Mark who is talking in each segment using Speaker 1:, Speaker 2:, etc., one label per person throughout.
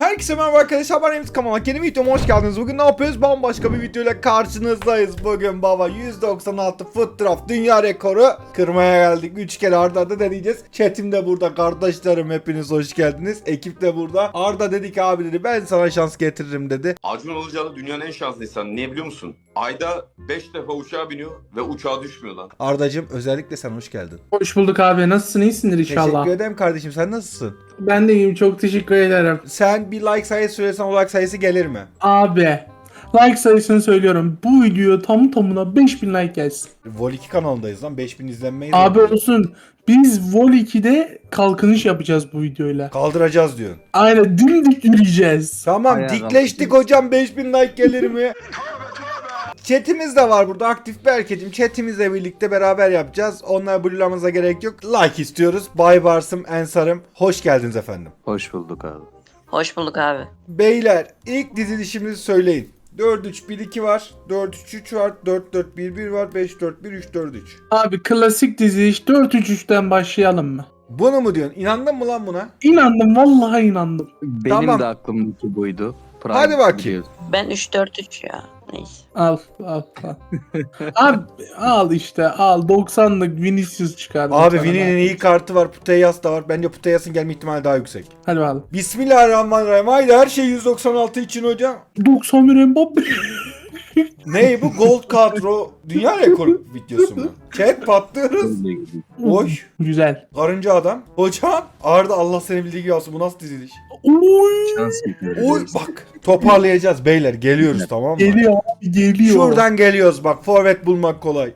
Speaker 1: Herkese merhaba arkadaşlar, ben Emz Kamalak. Yeni videoma hoş geldiniz. Bugün ne yapıyoruz? Bambaşka bir videoyla karşınızdayız. Bugün baba 196 foot draft dünya rekoru kırmaya geldik. 3 kere arda arda deneyeceğiz. Chatim de burada, kardeşlerim hepiniz hoş geldiniz. Ekip de burada. Arda dedi ki abi dedi ben sana şans getiririm dedi.
Speaker 2: Acun Ilıcalı dünyanın en şanslı insanı. Niye biliyor musun? Ayda 5 defa uçağa biniyor ve uçağa düşmüyor lan.
Speaker 1: Ardacığım özellikle sen hoş geldin.
Speaker 3: Hoş bulduk abi. Nasılsın? İyisindir inşallah.
Speaker 1: Teşekkür ederim kardeşim, sen nasılsın?
Speaker 3: Ben de iyiyim. Çok teşekkür ederim.
Speaker 1: Sen bir like sayısı söylesen o like sayısı gelir mi?
Speaker 3: Abi. Like sayısını söylüyorum. Bu video tam tamına 5000 like gelsin.
Speaker 1: Vol 2 kanalındayız lan, 5000 izlenmeyiz.
Speaker 3: Abi olsun. Biz Vol 2'de kalkınış yapacağız bu videoyla.
Speaker 1: Kaldıracağız diyorsun.
Speaker 3: Aynen dimdik yürüyeceğiz.
Speaker 1: Tamam
Speaker 4: Ayağa
Speaker 1: dikleştik hocam, 5000 like gelir mi? Chatimiz de var burada aktif Berkeciğim. Chatimizle birlikte beraber yapacağız. Onlara blue'lamamıza gerek yok. Like istiyoruz. Bay Barsım, Ensar'ım. Hoş geldiniz efendim.
Speaker 4: Hoş bulduk abi.
Speaker 5: Hoş bulduk abi.
Speaker 1: Beyler ilk dizilişimizi söyleyin. 4-3-1-2 var. 4-3-3 var. 4-4-1-1 var. 5-4-1-3-4-3.
Speaker 3: Abi klasik dizi iş 4-3-3'ten başlayalım mı?
Speaker 1: Bunu mu diyorsun? İnandın mı lan buna?
Speaker 3: İnandım. Vallahi inandım.
Speaker 4: Benim
Speaker 1: Tamam.
Speaker 4: de aklımdaki buydu.
Speaker 1: Hadi bakayım.
Speaker 4: biliyorsun.
Speaker 5: Ben 3-4-3 ya. Neyse.
Speaker 3: Al. Abi al işte al. 90'lık Vinicius çıkardım.
Speaker 1: Abi
Speaker 3: sana
Speaker 1: Vini'nin
Speaker 3: ben.
Speaker 1: iyi kartı var. Puteyas da var. Bence Puteyas'ın gelme ihtimali daha yüksek.
Speaker 3: Hadi bakalım.
Speaker 1: Bismillahirrahmanirrahim. Haydi her şey 196 için hocam.
Speaker 3: 91 Mbappe.
Speaker 1: Ne bu Gold Kadro dünya rekoru videosu mu? Chat patlıyoruz. Oy.
Speaker 3: Güzel.
Speaker 1: Karınca adam. Hocam Arda Allah seni bildiği gibi olsun. Bu nasıl diziliş?
Speaker 3: Oy.
Speaker 4: Şans
Speaker 1: Oy bak. Toparlayacağız beyler. Geliyoruz tamam mı?
Speaker 3: Geliyor abi geliyor.
Speaker 1: Şuradan geliyoruz bak. Forvet bulmak kolay.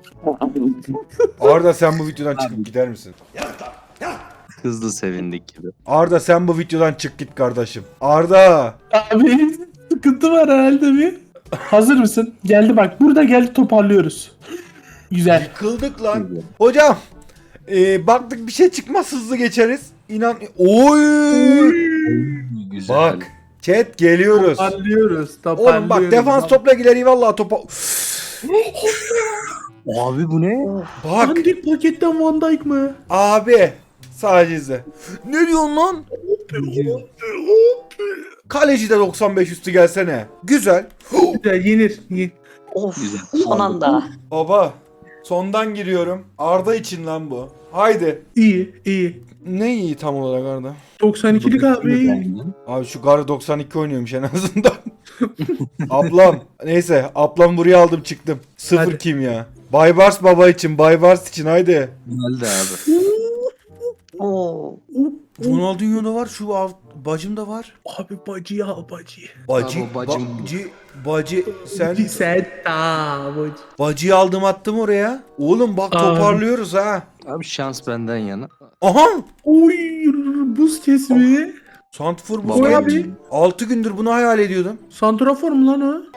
Speaker 1: Arda sen bu videodan çıkıp gider misin?
Speaker 4: Hızlı sevindik gibi.
Speaker 1: Arda sen bu videodan çık git kardeşim. Arda.
Speaker 3: Abi sıkıntı var herhalde bir. Hazır mısın? Geldi bak. Burada geldi toparlıyoruz. Güzel.
Speaker 1: Yıkıldık lan. Hocam. Baktık bir şey çıkmaz hızlı geçeriz. İnan. Oy.
Speaker 4: Güzel.
Speaker 1: Bak. Chat geliyoruz.
Speaker 3: Toparlıyoruz.
Speaker 1: Oğlum bak defans topla gider vallahi topa.
Speaker 4: Abi bu ne?
Speaker 1: Bak
Speaker 3: Dandik paketten Van Dijk mı?
Speaker 1: abi sadece izle. Ne diyorsun lan? Kaleci de 95 üstü gelsene. Güzel.
Speaker 3: Güzel yenir.
Speaker 5: Of
Speaker 4: Güzel.
Speaker 5: son anda.
Speaker 1: Baba sondan giriyorum. Arda için lan bu. Haydi.
Speaker 3: İyi iyi.
Speaker 1: Ne iyi tam olarak Arda?
Speaker 3: 92'lik abi.
Speaker 1: Abi şu Gar 92 oynuyormuş en azından. Ablam. Neyse ablam buraya aldım çıktım. Sıfır
Speaker 3: Hadi.
Speaker 1: kimya. Baybars baba için, Baybars için haydi.
Speaker 4: Geldi abi.
Speaker 5: Oo.
Speaker 1: Ronaldinho'da var, şu bacım da var.
Speaker 3: Abi bacıyı al bacıyı.
Speaker 1: Bacı,
Speaker 4: Abi bacım.
Speaker 1: bacı sen
Speaker 3: Sen ta bacı.
Speaker 1: bacıyı aldım attım oraya. Oğlum bak
Speaker 3: Aa.
Speaker 1: toparlıyoruz ha.
Speaker 4: Abi şans benden yana.
Speaker 1: Aha!
Speaker 3: Oy buz kesmi.
Speaker 1: Santfor bu
Speaker 4: Baba
Speaker 3: Oy
Speaker 1: abi.
Speaker 3: abi.
Speaker 1: 6 gündür bunu hayal ediyordum.
Speaker 3: Santrafor mu lan o?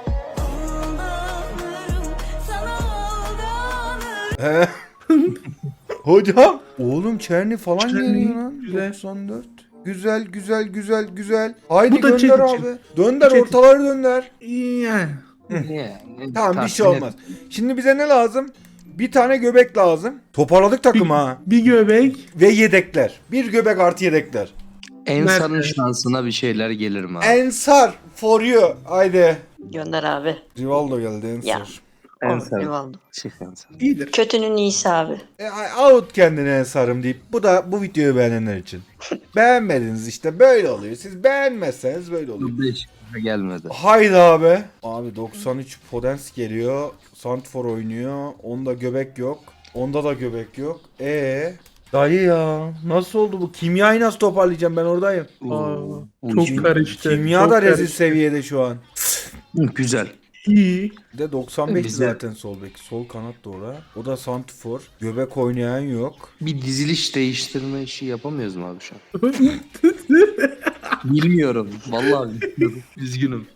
Speaker 1: He. Hocam. Oğlum Çerni falan
Speaker 3: Çerni,
Speaker 1: geliyor lan.
Speaker 3: güzel.
Speaker 1: 94. Güzel güzel güzel güzel. Haydi
Speaker 3: Bu da
Speaker 1: gönder
Speaker 3: Çetin
Speaker 1: abi.
Speaker 3: için.
Speaker 1: Dönder
Speaker 3: Çetin.
Speaker 1: ortaları gönder.
Speaker 3: Yani.
Speaker 1: Tamam bir şey olmaz. Şimdi bize ne lazım? Bir tane göbek lazım. Toparladık takım ha.
Speaker 3: Bir göbek.
Speaker 1: Ve yedekler. Bir göbek artı yedekler.
Speaker 4: Ensar'ın
Speaker 3: Mert.
Speaker 4: şansına bir şeyler gelir mi abi?
Speaker 1: Ensar for you. Haydi.
Speaker 5: Gönder abi.
Speaker 1: Rivaldo geldi Ensar.
Speaker 5: Ya.
Speaker 4: Ensar.
Speaker 5: Rivaldo.
Speaker 4: Çık Ensar.
Speaker 3: İyidir.
Speaker 5: Kötünün iyisi abi.
Speaker 1: Out kendine Ensar'ım deyip bu videoyu beğenenler için. Beğenmediniz işte böyle oluyor. Siz beğenmezseniz böyle oluyor.
Speaker 4: 5 gelmedi.
Speaker 1: Haydi abi. Abi 93 Podens geliyor. Santfor oynuyor. Onda göbek yok. Onda da göbek yok. Dayı ya nasıl oldu bu? Kimyayı nasıl toparlayacağım ben oradayım.
Speaker 3: Çok karıştı.
Speaker 1: Kimya
Speaker 3: çok
Speaker 1: da rezil
Speaker 3: karıştı.
Speaker 1: seviyede şu an.
Speaker 4: Güzel.
Speaker 3: İyi.
Speaker 1: Bir de 95
Speaker 4: Güzel.
Speaker 1: zaten sol bek. Sol kanat da ora. O da Santfor. Göbek oynayan yok.
Speaker 4: Bir diziliş değiştirme işi yapamıyoruz mu abi şu an? Bilmiyorum. Vallahi bilmiyorum. Üzgünüm.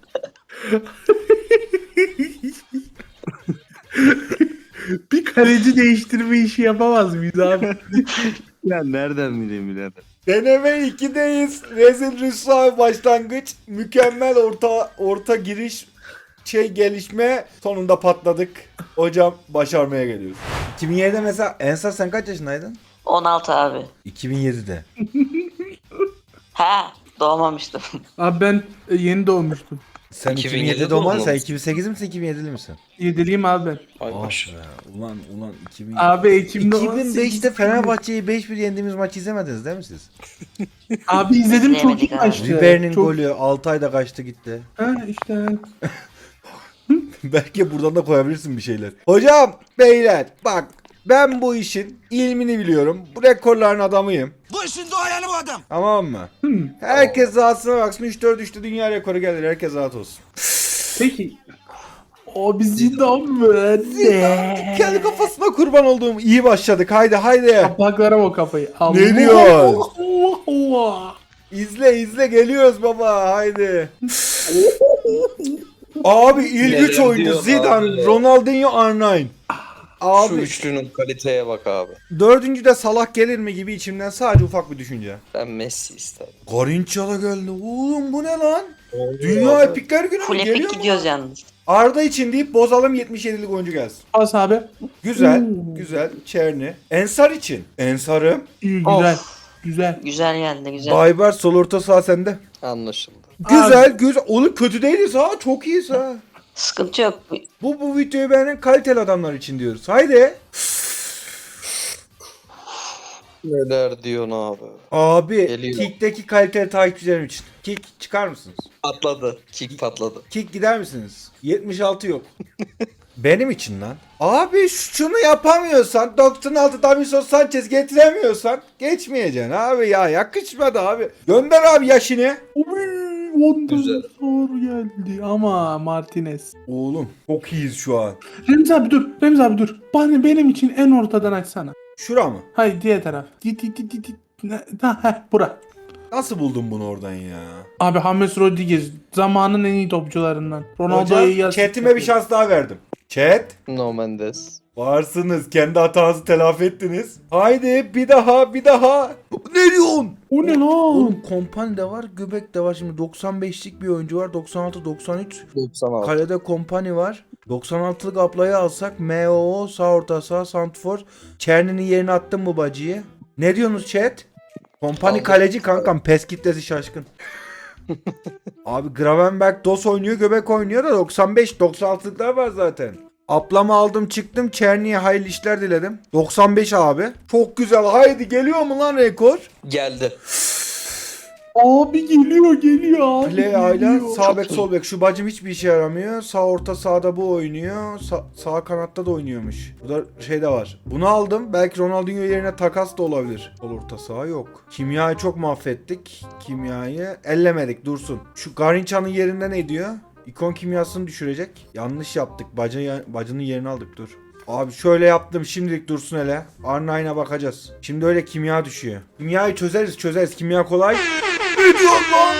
Speaker 3: Bir kaleci değiştirme işi yapamaz mıyız abi?
Speaker 4: Ya nereden bileyim birader?
Speaker 1: Deneme 2'deyiz. Rezil rüsva başlangıç. Mükemmel orta giriş. Gelişme. Sonunda patladık. Hocam başarmaya geliyoruz. 2007'de mesela Ensar sen kaç yaşındaydın?
Speaker 5: 16 abi.
Speaker 1: 2007'de.
Speaker 5: Ha. Doğmamıştım.
Speaker 3: Abi ben yeni doğmuştum.
Speaker 1: Sen
Speaker 6: 2007
Speaker 1: 2007 doğman, sen
Speaker 6: doğmamış.
Speaker 1: 2008 misin 2007'li misin?
Speaker 3: 7'liyim abi ben.
Speaker 6: Ay
Speaker 1: Ah
Speaker 6: maşallah.
Speaker 1: be, ulan 2000.
Speaker 3: Abi Ekim'de
Speaker 1: 2005'te Fenerbahçe'yi 5-1 yendiğimiz maçı izlemediniz değil mi siz?
Speaker 3: Abi izledim, çok iyi
Speaker 5: İzleyemedik abi.
Speaker 3: maçtı.
Speaker 1: Ribery'nin
Speaker 3: Çok-
Speaker 1: golü 6 ayda kaçtı gitti.
Speaker 3: Ha işte.
Speaker 1: Belki buradan da koyabilirsin bir şeyler. Hocam, beyler bak, ben bu işin ilmini biliyorum. Bu rekorların adamıyım.
Speaker 7: Bu işin doğayanı bu adam.
Speaker 1: Tamam mı? Herkes rahatsına baksın. 3-4-3'te dünya rekoru gelir. Herkes rahat olsun.
Speaker 3: Peki. O biz Zidane mı? Ne?
Speaker 1: Kendi kafasına kurban olduğum iyi başladık. Haydi.
Speaker 3: Kapaklara o kafayı.
Speaker 1: Ne diyorsun?
Speaker 3: Allah Allah.
Speaker 1: İzle geliyoruz baba. Haydi. Abi ilk
Speaker 6: Neler
Speaker 1: 3 oyuncu
Speaker 6: diyor
Speaker 1: Zidane,
Speaker 6: abi?
Speaker 1: Ronaldinho, R9.
Speaker 6: Şu
Speaker 1: Abi
Speaker 6: üçlünün kaliteye bak abi.
Speaker 1: dördüncüde Salah gelir mi gibi içimden sadece ufak bir düşünce.
Speaker 6: Ben Messi isterim.
Speaker 1: Garrincha da geldi. Oğlum bu ne lan? Dünya epikler günü mü
Speaker 5: Full
Speaker 1: geliyor
Speaker 5: epic
Speaker 1: mu?
Speaker 5: gidiyoruz yalnız.
Speaker 1: Arda için deyip bozalım, 77'lik oyuncu gelsin.
Speaker 3: Pas abi.
Speaker 1: Güzel,
Speaker 3: Oo.
Speaker 1: güzel. Çerni. Ensar için. Ensar'ım.
Speaker 3: İyi, güzel.
Speaker 5: Of.
Speaker 3: Güzel.
Speaker 5: Güzel geldi güzel.
Speaker 1: Bayber sol orta saha sende.
Speaker 6: Anlaşıldı.
Speaker 1: Güzel. Oğlum kötü değiliz ha. Çok iyiyiz ha.
Speaker 5: Sıkıntı yok.
Speaker 1: Bu videoyu beğenen kaliteli adamlar için diyoruz. Haydi.
Speaker 6: Neler diyorsun abi?
Speaker 1: Abi,
Speaker 6: Geliyor.
Speaker 1: Kick'teki kaliteli takipçilerim için. Kick çıkar mısınız?
Speaker 6: Patladı. Kick patladı.
Speaker 1: Kick gider misiniz? 76 yok. Benim için lan. Abi şunu yapamıyorsan, 96 Davinson Sanchez getiremiyorsan geçmeyeceksin abi ya. Yakışmadı abi. Gönder abi yaşını.
Speaker 3: Uy, ondan
Speaker 6: Güzel.
Speaker 3: sonra geldi ama Martinez.
Speaker 1: Oğlum çok iyiyiz şu an.
Speaker 3: Remzi abi dur. Remzi abi dur. Bana benim için en ortadan açsana.
Speaker 1: Şura mı?
Speaker 3: Hayır, diğer taraf. Git. Bura.
Speaker 1: Nasıl buldun bunu oradan ya?
Speaker 3: Abi James Rodriguez zamanın en iyi topçularından. Ronaldo'ya iyi
Speaker 1: Hocam
Speaker 3: asist
Speaker 1: chatime bir
Speaker 3: yapıyor.
Speaker 1: şans daha verdim. Chat.
Speaker 6: No Mendes.
Speaker 1: Varsınız. Kendi hatanızı telafi ettiniz. Haydi bir daha. Ne diyorsun?
Speaker 3: O ne lan?
Speaker 1: Oğlum Kompany de var, Göbek de var. Şimdi 95'lik bir oyuncu var. 96-93.
Speaker 6: 96.
Speaker 1: Kalede Kompany var. 96'lık ablayı alsak MOO sağ orta saha Santfor. Çerni'nin yerine attın mı bacıyı? Ne diyorsunuz chat? Kompany
Speaker 6: Aldık.
Speaker 1: kaleci kankam. Pes kitlesi şaşkın. Abi Gravenberg DOS oynuyor, Göbek oynuyor da 95-96'lıklar var zaten. Ablamı aldım çıktım. Çerni'ye hayırlı işler diledim. 95 abi. Çok güzel. Haydi geliyor mu lan rekor?
Speaker 6: Geldi.
Speaker 3: Abi geliyor abi.
Speaker 1: Play ayla
Speaker 3: geliyor.
Speaker 1: sağ bek sol bek. Şu bacım hiçbir işe yaramıyor. Sağ orta sağda bu oynuyor. Sağ kanatta da oynuyormuş. Burada şey de var. Bunu aldım. Belki Ronaldinho yerine takas da olabilir. Sol orta saha yok. Kimyayı çok mahvettik. Kimyayı ellemedik, dursun. Şu Garrincha'nın yerinde ne diyor? İkon kimyasını düşürecek. Yanlış yaptık. Bacının yerini aldık, dur. Abi şöyle yaptım, şimdilik dursun hele. R9'a bakacağız. Şimdi öyle kimya düşüyor. Kimyayı çözeriz. Kimya kolay. Ne diyorsun lan?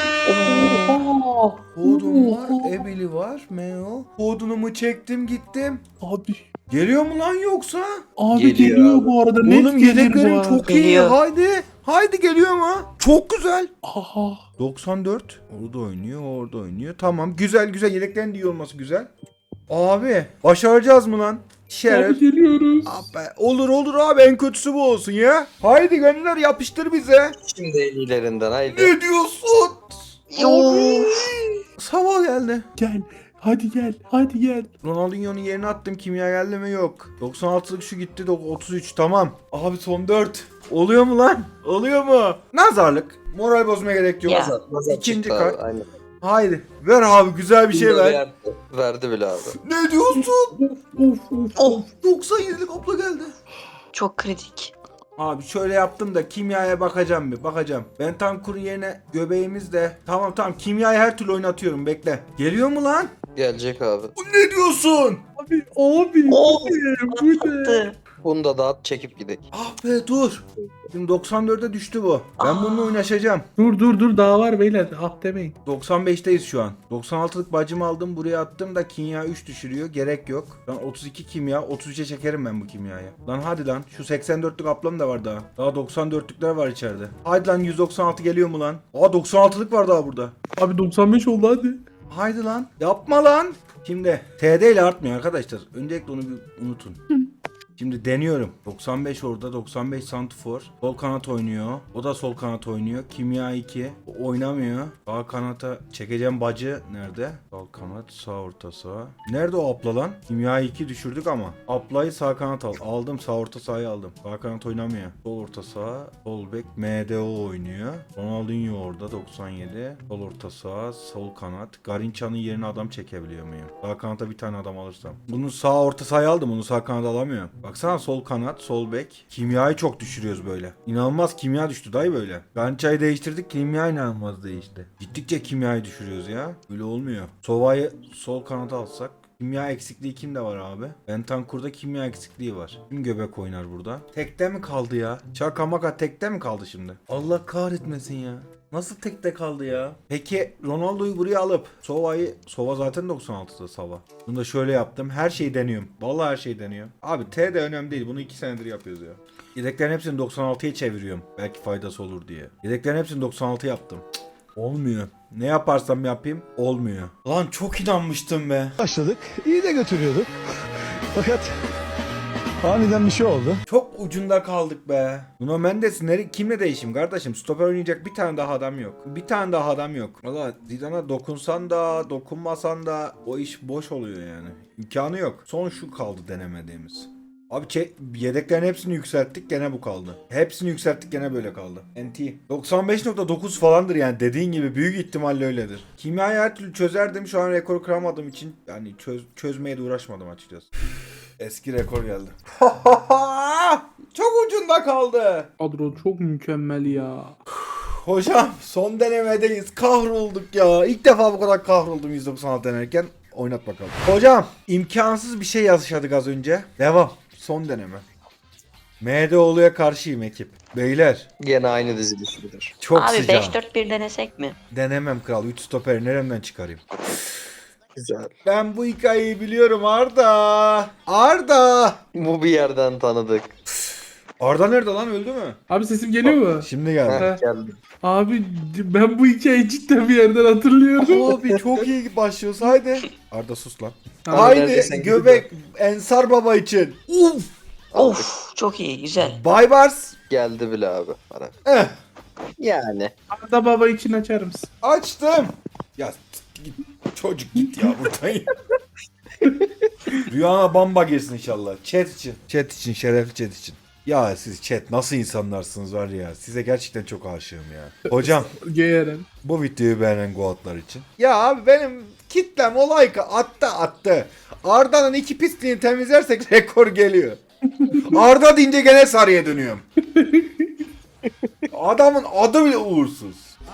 Speaker 3: Aa,
Speaker 1: Hodun var,
Speaker 3: oo.
Speaker 1: Ebeli var, Meo. Hodunumu çektim gittim.
Speaker 3: Abi.
Speaker 1: Geliyor mu lan yoksa?
Speaker 3: Abi
Speaker 6: Geliyor
Speaker 3: geliyor
Speaker 6: abi.
Speaker 3: bu arada. Net
Speaker 1: Oğlum
Speaker 3: gelir bu
Speaker 1: yedeklerim
Speaker 3: arada.
Speaker 1: çok iyi.
Speaker 5: Geliyor.
Speaker 1: Haydi geliyor mu? Çok güzel.
Speaker 3: Aha.
Speaker 1: 94. Orada oynuyor. Tamam, güzel yedeklerin de iyi olması güzel. Abi başaracağız mı lan? Şeref.
Speaker 3: Abi geliyoruz.
Speaker 1: Abi, olur abi, en kötüsü bu olsun ya. Haydi gönder, yapıştır bize.
Speaker 6: Şimdi en iyilerinden haydi.
Speaker 1: Ne diyorsun?
Speaker 5: Yoo.
Speaker 1: Sabah geldi.
Speaker 3: Gel. Hadi gel.
Speaker 1: Ronaldinho'nun yerine attım, kimya geldi mi? Yok. 96'lık şu gitti de 33, tamam. Abi son 4. Oluyor mu lan? Oluyor mu? Nazarlık. Moral bozmaya gerek yok.
Speaker 5: Ya.
Speaker 6: Nazar
Speaker 1: İkinci
Speaker 6: çıktı
Speaker 1: kart.
Speaker 6: abi, aynen.
Speaker 1: Haydi. Ver abi, güzel bir şey
Speaker 6: Bunda
Speaker 1: ver.
Speaker 6: Verdi. Verdi bile abi.
Speaker 1: Ne diyorsun?
Speaker 3: Of.
Speaker 5: Oh.
Speaker 1: 97'lik abla geldi.
Speaker 5: Çok kritik.
Speaker 1: Abi şöyle yaptım da kimyaya bakacağım bir. Ben Tankur'un yerine göbeğimiz de. Tamam kimyayı her türlü oynatıyorum, bekle. Geliyor mu lan?
Speaker 6: Gelecek abi.
Speaker 1: Ne diyorsun?
Speaker 3: Abi.
Speaker 5: Oh.
Speaker 3: Bu ne?
Speaker 5: Attı.
Speaker 6: Bunu da dağıt çekip gidelim.
Speaker 1: Ah be, dur. Şimdi 94'e düştü bu. Ben bununla oynaşacağım.
Speaker 3: Dur daha var beyler. Ah demeyin.
Speaker 1: 95'teyiz şu an. 96'lık bacımı aldım, buraya attım da kimya 3 düşürüyor. Gerek yok. Lan 32 kimya. 33'e çekerim ben bu kimyayı. Lan hadi lan. Şu 84'lük ablam da var daha. Daha 94'lükler var içeride. Hadi lan, 196 geliyor mu lan? Aa, 96'lık var daha burada.
Speaker 3: Abi 95 oldu hadi.
Speaker 1: Haydi lan. Yapma lan. Şimdi TD ile artmıyor arkadaşlar. Öncelikle onu bir unutun. Şimdi deniyorum. 95 orada, 95 santifor. Sol kanat oynuyor. O da sol kanat oynuyor. Kimya 2. O oynamıyor. Sağ kanata çekeceğim bacı. Nerede? Sağ kanat, sağ orta saha. Nerede o Apla lan? Kimya 2 düşürdük ama. Apla'yı sağ kanat al. Aldım, sağ orta sahayı aldım. Sağ kanat oynamıyor. Sol orta saha, sol bek MDO oynuyor. Ronaldinho orada 97. Sol orta saha, sol kanat. Garinça'nın yerine adam çekebiliyor muyum? Sağ kanata bir tane adam alırsam. Bunu sağ orta sahaya aldım. Bunu sağ kanada alamıyorum. Baksana sol kanat, sol bek. Kimyayı çok düşürüyoruz böyle. İnanılmaz kimya düştü dayı böyle. Garinça'yı değiştirdik. Kimya inanılmaz değişti. Gittikçe kimyayı düşürüyoruz ya. Böyle olmuyor. Sova'yı sol kanata alsak. Kimya eksikliği kimde var abi? Bentancur'da kimya eksikliği var. Kim göbek oynar burada? Tekte mi kaldı ya? Şaka maka tekte mi kaldı şimdi? Allah kahretmesin ya. Nasıl tekte kaldı ya? Peki Ronaldo'yu buraya alıp Sova zaten 96'da Sova. Bunu da şöyle yaptım. Her şeyi deniyorum. Vallahi her şeyi deniyorum. Abi T de önemli değil. Bunu 2 senedir yapıyoruz ya. Yedeklerin hepsini 96'ya çeviriyorum. Belki faydası olur diye. Yedeklerin hepsini 96 yaptım. Olmuyor. Ne yaparsam yapayım olmuyor. Lan çok inanmıştım be.
Speaker 7: Başladık. İyi de götürüyorduk. Fakat aniden bir şey oldu.
Speaker 1: Çok ucunda kaldık be. Nuno Mendes kimle değişim kardeşim? Stoper oynayacak bir tane daha adam yok. Bir tane daha adam yok. Valla Zidane'a dokunsan da dokunmasan da o iş boş oluyor yani. İmkanı yok. Son şu kaldı denemediğimiz. Abi yedeklerin hepsini yükselttik gene bu kaldı. Hepsini yükselttik gene böyle kaldı. NT. 95.9 falandır yani dediğin gibi büyük ihtimalle öyledir. Kimyayı her türlü çözerdim şu an rekoru kıramadığım için yani çözmeye de uğraşmadım açıkçası. Eski rekor geldi. Çok ucunda kaldı.
Speaker 3: Kadro çok mükemmel ya.
Speaker 1: Hocam son denemedeyiz. Kahrolduk ya. İlk defa bu kadar kahroldum 196 denerken. Oynat bakalım. Hocam imkansız bir şey yaşadık az önce. Devam. Son deneme. MDO'luya karşıyım ekip. Beyler
Speaker 6: Gene aynı diziliş midir?
Speaker 1: çok
Speaker 5: Abi
Speaker 1: sıcak.
Speaker 5: 5-4-1 denesek mi?
Speaker 1: Denemem kral. 3 stoperi neremden çıkarayım?
Speaker 6: Güzel.
Speaker 1: Ben bu hikayeyi biliyorum Arda. Arda.
Speaker 6: Bu bir yerden tanıdık.
Speaker 1: Arda nerede lan öldü mü?
Speaker 3: Abi sesim geliyor mu?
Speaker 1: Şimdi geldi.
Speaker 6: Heh, geldi.
Speaker 3: Abi ben bu hikayeyi cidden bir yerden hatırlıyorum.
Speaker 1: Abi çok iyi başlıyoruz haydi. Arda sus lan.
Speaker 3: Abi
Speaker 1: Haydi
Speaker 6: neredesin?
Speaker 1: göbek Ensar Baba için. Uf.
Speaker 5: Of çok iyi güzel.
Speaker 1: Baybars.
Speaker 6: Geldi bile abi bana.
Speaker 1: Eh,
Speaker 6: Yani.
Speaker 3: Arda baba için açar mısın?
Speaker 1: açtım. Ya git, çocuk git ya buradan ya. Rüyana bamba girsin inşallah. Chat için. Chat için şerefli chat için. Ya siz chat nasıl insanlarsınız var ya. Size gerçekten çok aşığım ya. Hocam
Speaker 3: Geğerim.
Speaker 1: bu videoyu beğenen goatlar için. Ya abi benim kitlem o like'ı attı. Arda'nın 2 pisliğini temizlersek rekor geliyor. Arda deyince gene sarıya dönüyorum. Adamın adı bile uğursuz.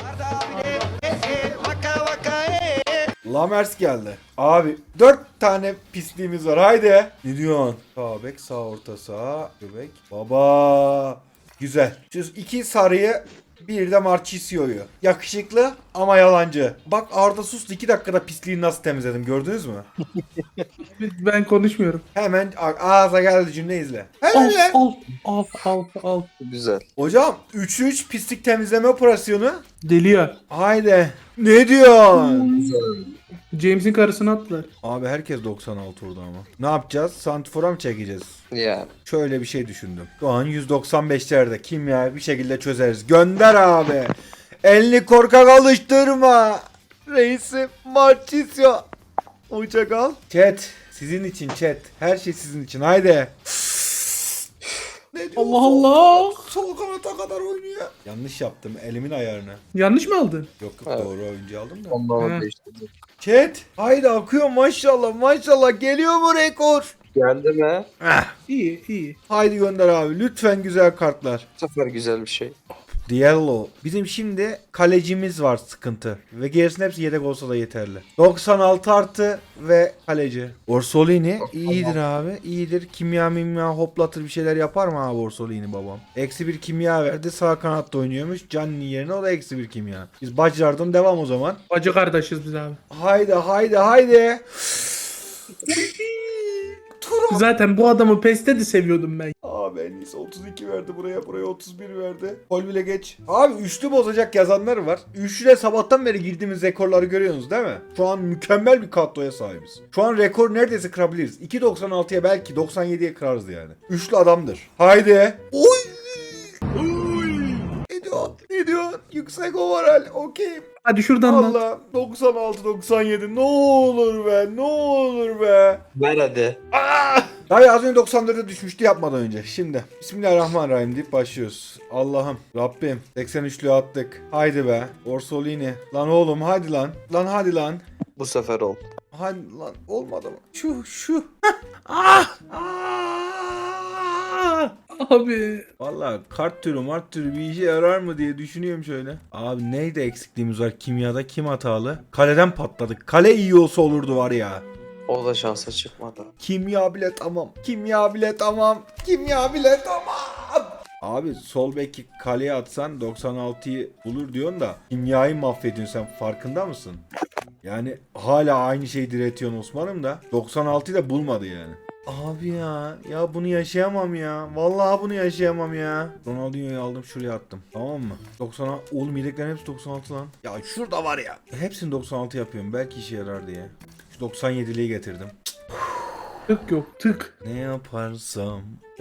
Speaker 1: Lamers geldi. Abi 4 tane pisliğimiz var haydi. Ne diyorsun? Sağ bek, sağ orta sağ, göbek. Baba. Güzel. Şu 2 sarıyı bir de Marchisio'yu. Yakışıklı ama yalancı. Bak Arda sustu 2 dakikada pisliği nasıl temizledim gördünüz mü?
Speaker 3: Ben konuşmuyorum.
Speaker 1: Hemen ağza geldi cümle izle. Hemen
Speaker 3: Al
Speaker 1: lan.
Speaker 3: al.
Speaker 6: Güzel.
Speaker 1: Hocam 3-3 pislik temizleme operasyonu.
Speaker 3: Deliyor.
Speaker 1: Haydi. Ne diyorsun?
Speaker 3: James'in karısını attılar.
Speaker 1: Abi herkes 96 vurdu ama. Ne yapacağız? Santifor'a mı çekeceğiz?
Speaker 6: Yani.
Speaker 1: Şöyle bir şey düşündüm. Şu an 195'lerde kimya bir şekilde çözeriz. Gönder abi. Elini korkak alıştırma. Reisim Marchisio. Uçak al. Chat. Sizin için chat. Her şey sizin için. Haydi. Ne diyorsun?
Speaker 3: Allah Allah.
Speaker 1: Sol kanata kadar oynuyor. Yanlış yaptım. Elimin ayarını.
Speaker 3: Yanlış mı aldın?
Speaker 1: Yok
Speaker 6: Evet.
Speaker 1: doğru oyuncu aldım da.
Speaker 6: Allah'ım
Speaker 3: He.
Speaker 6: değiştirdi.
Speaker 1: Chat. Haydi akıyor maşallah maşallah. Geliyor mu rekor?
Speaker 6: Geldi mi?
Speaker 3: İyi.
Speaker 1: Haydi gönder abi. Lütfen güzel kartlar.
Speaker 6: Bu sefer güzel bir şey.
Speaker 1: Diallo. Bizim şimdi kalecimiz var sıkıntı. Ve gerisinin hepsi yedek olsa da yeterli. 96 artı ve kaleci. Orsolini iyidir abi. İyidir. Kimya hoplatır bir şeyler yapar mı abi Orsolini babam? -1 kimya verdi. Sağ kanatta oynuyormuş. Canni yerine o da -1 kimya. Biz bacılardan devam o zaman.
Speaker 3: Bacı kardeşiz biz abi.
Speaker 1: Haydi. Tur
Speaker 3: Zaten bu adamı PES'te de seviyordum ben.
Speaker 1: Abi en iyisi 32 verdi buraya 31 verdi. Gol bile geç. Abi üçlü bozacak yazanlar var. Üçlüde sabahtan beri girdiğimiz rekorları görüyorsunuz değil mi? Şu an mükemmel bir kadroya sahibiz. Şu an rekor neredeyse kırabiliriz. 2.96'ya belki 97'ye kırarız yani. Üçlü adamdır. Haydi. Oy! Ne diyorsun? Yüksek overall. Okey.
Speaker 3: Hadi şuradan da.
Speaker 1: Allah 96-97 ne olur be ne olur be.
Speaker 6: Ver hadi.
Speaker 1: Abi az önce 94'e düşmüştü yapmadan önce. Şimdi Bismillahirrahmanirrahim deyip başlıyoruz. Allah'ım Rabbim 83'lüğü attık. Haydi be Orsolini. Lan oğlum hadi lan. Lan hadi lan.
Speaker 6: Bu sefer ol.
Speaker 1: Hadi lan olmadı mı? Şu. Ah!
Speaker 3: Abi.
Speaker 1: Valla kart türü bir işe yarar mı diye düşünüyorum şöyle. Abi neydi eksikliğimiz var kimyada kim hatalı? Kaleden patladık. Kale iyi olsa olurdu var ya.
Speaker 6: O da şansa çıkmadı.
Speaker 1: Kimya bile tamam. Abi sol beki kaleye atsan 96'yı bulur diyorsun da kimyayı mahvediyorsun sen farkında mısın? Yani hala aynı şeyi diretiyorsun Osman'ım da 96'yı da bulmadı yani. Abi ya bunu yaşayamam ya. Vallahi bunu yaşayamam ya. Ronaldinho'yu aldım şuraya attım. Tamam mı? 96 oğlum yedeklerin hepsi 96 lan. Ya şurada var ya. Hepsini 96 yapıyorum. Belki işe yarar diye. Şu 97'liği getirdim.
Speaker 3: Tık yok tık.
Speaker 1: Ne yaparsam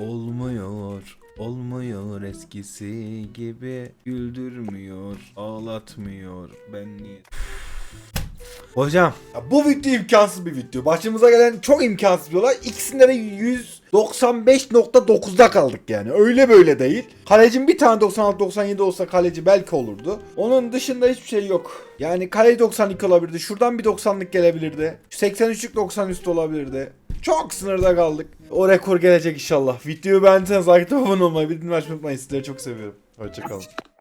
Speaker 1: olmuyor eskisi gibi. Güldürmüyor, ağlatmıyor. Ben niye... Hocam ya bu video imkansız bir video. Başımıza gelen çok imkansız bir olay. İkisinde de 195.9'da kaldık yani. Öyle böyle değil. Kalecim bir tane 96-97 olsa kaleci belki olurdu. Onun dışında hiçbir şey yok. Yani kale 92 olabilirdi. Şuradan bir 90'lık gelebilirdi. 83'lük 90 üstü olabilirdi. Çok sınırda kaldık. O rekor gelecek inşallah. Videoyu beğendiyseniz like abone olmayı, bildirim açmayı unutmayın. Sizleri çok seviyorum. Hoşçakalın.